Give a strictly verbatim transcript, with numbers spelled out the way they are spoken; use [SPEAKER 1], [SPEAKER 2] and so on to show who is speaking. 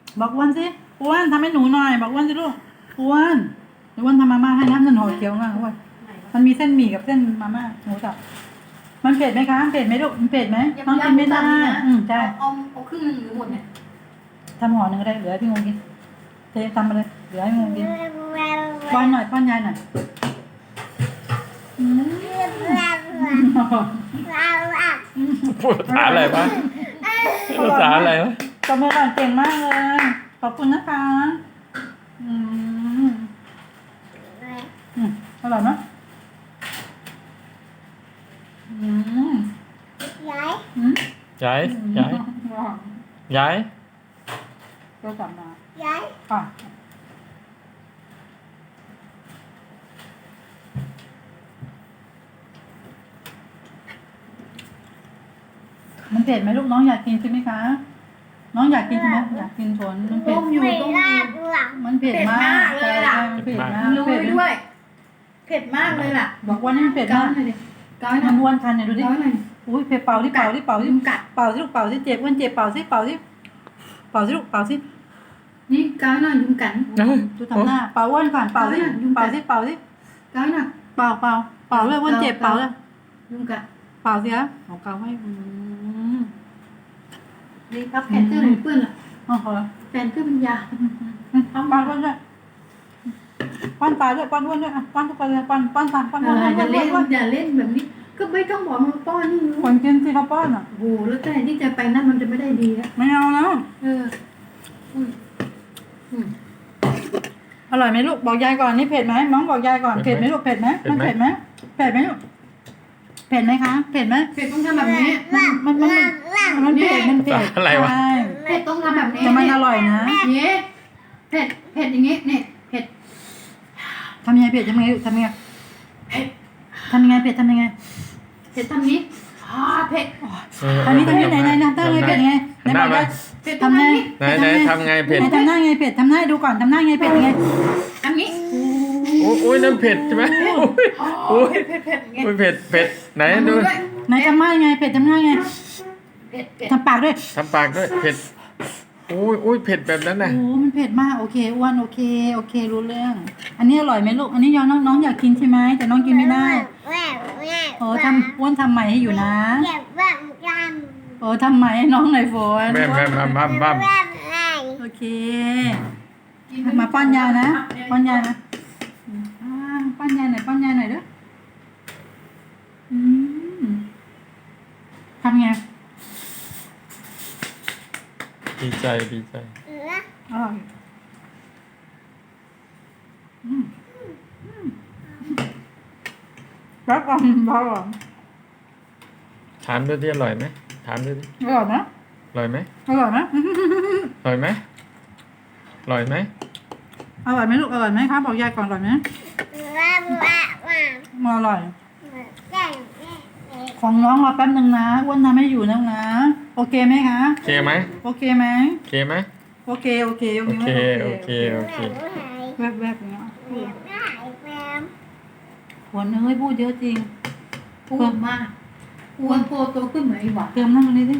[SPEAKER 1] บอกอ้วนสิอ้วนทำให้หนูหน่อยบอกอ้วนสิลูกอ้วนอ้วนทำมาม่าให้น้ำนั่นห่อเขียวมากอ้วนมันมีเส้นหมี่กับเส้นมาม่าหมูสับมันเผ็ดไหมคะเผ็ดไหมลูกมันเผ็ดไหมน้องกินไม่ได้อืมใช่
[SPEAKER 2] เอาเอาครึ่งหนึงหรือหมดเนี่ย
[SPEAKER 1] ทำห่อหนึ่งก็ได้เหลือให้พี่งงกินเททำมาเลยเหลือให้งงกินป้อนหน่อยป้อนยายหน่อยอืม
[SPEAKER 3] พูดภาษาอะไรวะภาษาอะไรวะ
[SPEAKER 1] ตบมือก่อนเก่งมากเลยขอบคุณนะคะอืมอืมอร่อยไหมอืม
[SPEAKER 4] ย้าย
[SPEAKER 1] อืม
[SPEAKER 3] ย้ายย้ายย้าย
[SPEAKER 1] ก็กลับมา
[SPEAKER 4] ย้าย
[SPEAKER 1] อ่ะมันเผ็ดไหมลูกน้องอยากกินใช่ไหมคะ น้องอยากกินใช่ไหมอยากกินชนมันเผ็ด
[SPEAKER 2] ต้มอยู่
[SPEAKER 4] ไม่
[SPEAKER 2] ต้มอ
[SPEAKER 4] ลา
[SPEAKER 2] ยู่
[SPEAKER 4] ดหลัง
[SPEAKER 1] มันเผ็ดมาก
[SPEAKER 2] เผ็ดมากเลยล่ะ
[SPEAKER 1] มันเผ็ดมาก
[SPEAKER 2] รู้
[SPEAKER 1] เผ็ด
[SPEAKER 2] ด้วย เผ็ดมากเลยล่ะ
[SPEAKER 1] บอกว่านี่มันเผ็ด
[SPEAKER 2] ก้าว
[SPEAKER 1] มาก
[SPEAKER 2] หน่อยดิก้าวหน่
[SPEAKER 1] มั
[SPEAKER 2] อน ย
[SPEAKER 1] ม้วนคันเนี่ยดูดิ
[SPEAKER 2] ก้าวหน่อย
[SPEAKER 1] อุ้ยเผ็ดเป่าที่เป่าที่เป่าที่
[SPEAKER 2] ยุงกัด
[SPEAKER 1] เป่าที่ลูกเป่าที่เจ็บอ้วนเจ็บเป่าที่เป่าที่เป่าที่ลูกเป่าที่
[SPEAKER 2] นี่ก้าวหน่อยยุงกัด
[SPEAKER 1] ดูทำหน้าเป่าอ้วนก่อนเป่าที่
[SPEAKER 2] เอาเนี่ยยุงกั
[SPEAKER 1] เป่า
[SPEAKER 2] ด
[SPEAKER 1] ที่เป่าที่
[SPEAKER 2] ก้าวหน่อย
[SPEAKER 1] เป่าเป่าเป่าเลยอ้วนเจ็บเป่าเลย
[SPEAKER 2] ยุงกัด
[SPEAKER 1] เป่าสิครับของเกาให้อืม
[SPEAKER 2] นี่ครับแผ่นเสื้อหนูเปื้อนละ
[SPEAKER 1] อ๋อเหรอ
[SPEAKER 2] แผ่นเสื้อเป็นยา
[SPEAKER 1] ป้อนป้อนด้วยป้อนปลาด้วยป้อนอ้วนด้วยอ่ะป้อนทุกคนเลยป้อนป้อนตามป้อน
[SPEAKER 2] เอ
[SPEAKER 1] อ้วน
[SPEAKER 2] อ
[SPEAKER 1] อ้วน
[SPEAKER 2] อย่า
[SPEAKER 1] อ้วน
[SPEAKER 2] เล่น
[SPEAKER 1] อ้วน
[SPEAKER 2] อย่าเล่นแบบนี้ ก็ไม่ต้องบอกมาป้อนนี่
[SPEAKER 1] คนกินสิเขาป้อนอ่ะ
[SPEAKER 2] โอ้โหแล้วแต่ที่จะไปนั่นมันจะไม่ได้ดีแล้ว
[SPEAKER 1] ไม่เอาแล้ว
[SPEAKER 2] เอออืมอืม
[SPEAKER 1] อร่อยไหมลูกบอกยายก่อนนี่เผ็ดไหมน้องบอกยายก่อนเผ็ดไหมลูกเผ็ดไหมมันเผ็ดไหมเผ็ดไหมลูกเผ็ดไหมคะเผ็ดไหม
[SPEAKER 2] เผ็ดต้องทำแบบนี้
[SPEAKER 1] มันมันมันมันเผ็ดมันเผ็ด
[SPEAKER 3] อะไรวะ
[SPEAKER 1] ใช่
[SPEAKER 2] เผ็ดต้องทำแบบนี้
[SPEAKER 1] แต่มันอร่อยนะ
[SPEAKER 2] เนี่ยเผ็ดเผ็ดอย่างงี้เนี่ยเผ็ด
[SPEAKER 1] ทำยังไงเผ็ดทำยังไงทำยังไง
[SPEAKER 2] เผ็ด
[SPEAKER 1] ทำยังไงเผ็ดทำยังไง
[SPEAKER 2] เผ็ดทำนี้อ่าเผ็ด
[SPEAKER 1] ทำนี้ทำนี้ไหนไหนทำไงเผ็ดยังไงไหนบอกยาย
[SPEAKER 2] เผ็ดต้อง
[SPEAKER 1] ทำไง
[SPEAKER 2] ทำนี้
[SPEAKER 3] ไหนไหนทำไงเผ็ด
[SPEAKER 1] ไหนทำหน้าไงเผ็ดทำหน้าให้ดูก่อนทำหน้าไงเผ็ดยังไง
[SPEAKER 2] ทำนี้
[SPEAKER 3] โอ้ยโอ้ยนั่นเผ็ดใช่ไหม
[SPEAKER 2] โอ้ยเผ็ดเผ็ดเผ็ดอย่างงี้
[SPEAKER 3] โอ้ยเผ็ดเผ็ดไหนดู
[SPEAKER 2] ด้วย
[SPEAKER 1] ไหนทำหน้าไงเผ็ดทำหน้าไง
[SPEAKER 2] เผ็ดเผ็ด
[SPEAKER 1] ทำปากด้วย
[SPEAKER 3] ทำปากด้วยเผ็ดโอ้ยโอ้ยเผ็ดแบบนั้นน่ะ
[SPEAKER 1] โอ้มันเผ็ดมากโอเคอ้วนโอเคโอเครู้เรื่อง อันนี้อร่อยไหมลูกอันนี้ยอน้องน้องอยากกินใช่ไหมแต่น้องกินไม่ได้
[SPEAKER 4] แม่แม่
[SPEAKER 1] โอ้ทำอ้วนทำใหม่ให้อยู่นะ
[SPEAKER 4] เก็บบ้างกัน
[SPEAKER 1] โอ้ทำใหม่ให้น้องหน่อยฝน
[SPEAKER 3] แม่แม่บ้ามบ้ามบ้าม
[SPEAKER 4] แม่แม่
[SPEAKER 1] โอเคมาป้อนยายนะป้อนยายนะอ่าป้อนยายหน่อยป้อนยายหน่อยเด้ออืมทำไง
[SPEAKER 3] ดีใจดีใจ
[SPEAKER 4] เออ
[SPEAKER 1] อร่อยอืมอืมแล้วก็อร่อย
[SPEAKER 3] ถามด้วยที่อร่อยไหมถามด้วยดิ
[SPEAKER 1] อร่อยนะ
[SPEAKER 3] อร่อยไหม
[SPEAKER 1] อร่อยไหม
[SPEAKER 3] อร่อยไหมอร่อยไหม
[SPEAKER 1] อร่อยไหมลูกอร่อยไหมครับบอกยายก่อนอร่อยไหม
[SPEAKER 4] แม่แม่แม่
[SPEAKER 1] มาอร่อย
[SPEAKER 4] แม่
[SPEAKER 1] ของน้องรอแป๊บนึงนะอ้วนทำให้อยู่นะนะ โอเคไหมคะ
[SPEAKER 3] โอเคไหม
[SPEAKER 1] โอเคไหม
[SPEAKER 3] โอเคไหม
[SPEAKER 1] โอเคโอเค
[SPEAKER 3] โอเคโอเคโอเค
[SPEAKER 1] แวบแวบอย่างเงี้ย
[SPEAKER 4] แม่แม่
[SPEAKER 1] ผลเอ้ยพูดเยอะจริง
[SPEAKER 2] พูดมากอ้วนโตโตขึ้นเหมือนไอ้หวาน
[SPEAKER 1] เติมนั่งตรงนี้สิ